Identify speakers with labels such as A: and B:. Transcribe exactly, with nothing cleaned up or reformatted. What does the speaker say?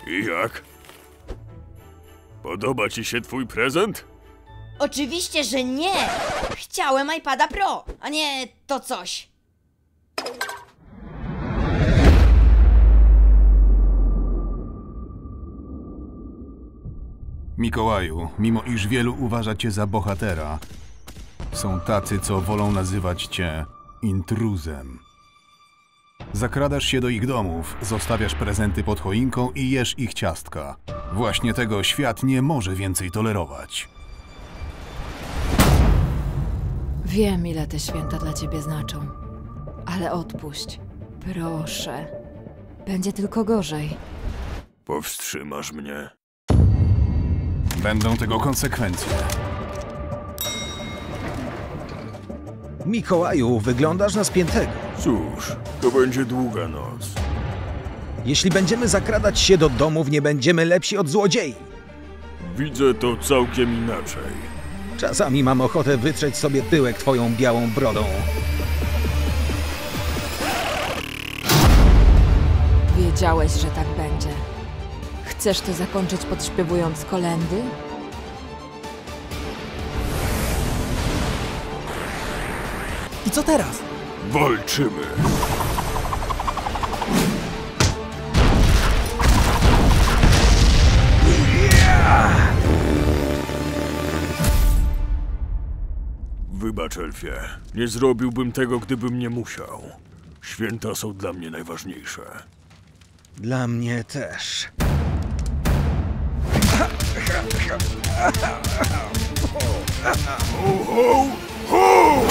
A: I jak? Podoba ci się twój prezent?
B: Oczywiście, że nie! Chciałem iPada Pro, a nie to coś.
C: Mikołaju, mimo iż wielu uważa cię za bohatera, są tacy, co wolą nazywać cię intruzem. Zakradasz się do ich domów, zostawiasz prezenty pod choinką i jesz ich ciastka. Właśnie tego świat nie może więcej tolerować.
D: Wiem, ile te święta dla ciebie znaczą. Ale odpuść. Proszę. Będzie tylko gorzej.
A: Powstrzymasz mnie.
C: Będą tego konsekwencje.
E: Mikołaju, wyglądasz na spiętego.
A: Cóż, to będzie długa noc.
E: Jeśli będziemy zakradać się do domów, nie będziemy lepsi od złodziei.
A: Widzę to całkiem inaczej.
E: Czasami mam ochotę wytrzeć sobie tyłek twoją białą brodą.
D: Wiedziałeś, że tak będzie. Chcesz to zakończyć podśpiewując kolędy?
F: I co teraz?
A: Walczymy! Wybacz, Elfie. Nie zrobiłbym tego, gdybym nie musiał. Święta są dla mnie najważniejsze.
E: Dla mnie też.
A: Ho, ho, ho!